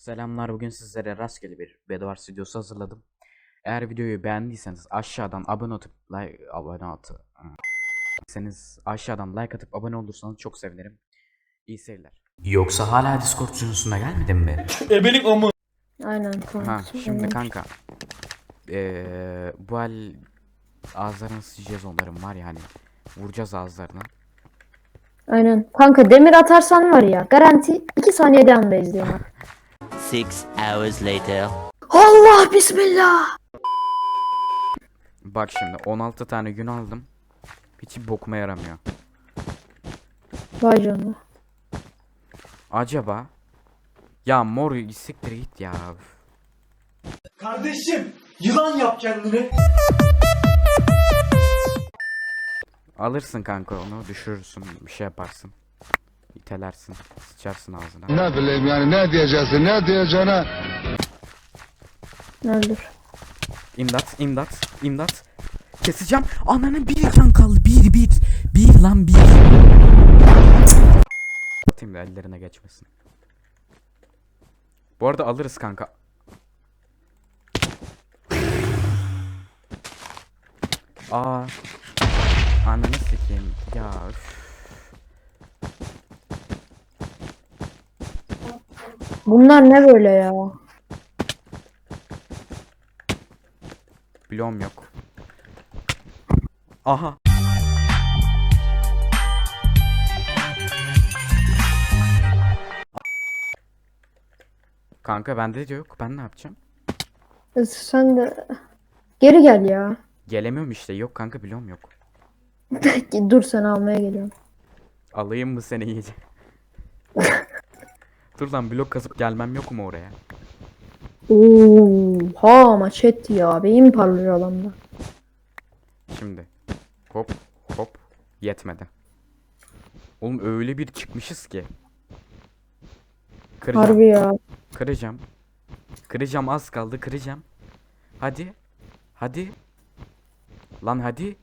Selamlar, bugün sizlere rastgele bir Bedwars videosu hazırladım. Eğer videoyu beğendiyseniz aşağıdan aşağıdan like atıp abone olursanız çok sevinirim. İyi seyirler. Yoksa hala Discord sunucusuna gelmedin mi? Ebelik amı. Aynen kanka. Ha şimdi kanka. Bu el ağızlarını sıçacağız onların var ya hani. Vuracağız ağızlarına. Aynen. Kanka demir atarsan var ya garanti 2 saniyede andayız diyorlar. 6 hours later. Allah bismillah. Bak şimdi 16 tane gün aldım. Hiç bokuma yaramıyor. Vay canına. Acaba ya mor siktir git ya. Kardeşim yılan yap kendini. Alırsın kanka onu düşürürsün bir şey yaparsın. İtelersin sıçarsın ağzına. Ne bileyim yani ne diyeceksin ne diyeceğine. Öldür. İmdat imdat imdat. Keseceğim. Ananın bir can kaldı. Bir lan bir. Atayım da ellerine geçmesin. Bu arada alırız kanka. Aa. Ananı sikeyim. Ya üf. Bunlar ne böyle ya? Bloğum yok. Aha. Kanka bende de yok. Ben ne yapacağım? Sen de geri gel ya. Gelemiyorum işte. Yok kanka bloğum yok. Dur sen almaya geliyorum. Alayım mı seni iyice? Dur lan blok kazıp gelmem yok mu oraya? Oha maçet ya. Beyin parlıyor adamda. Şimdi. Hop hop. Yetmedi. Oğlum öyle bir çıkmışız ki. Kıracağım. Harbi ya. Kıracağım. Kıracağım az kaldı kıracağım. Hadi. Hadi. Lan hadi.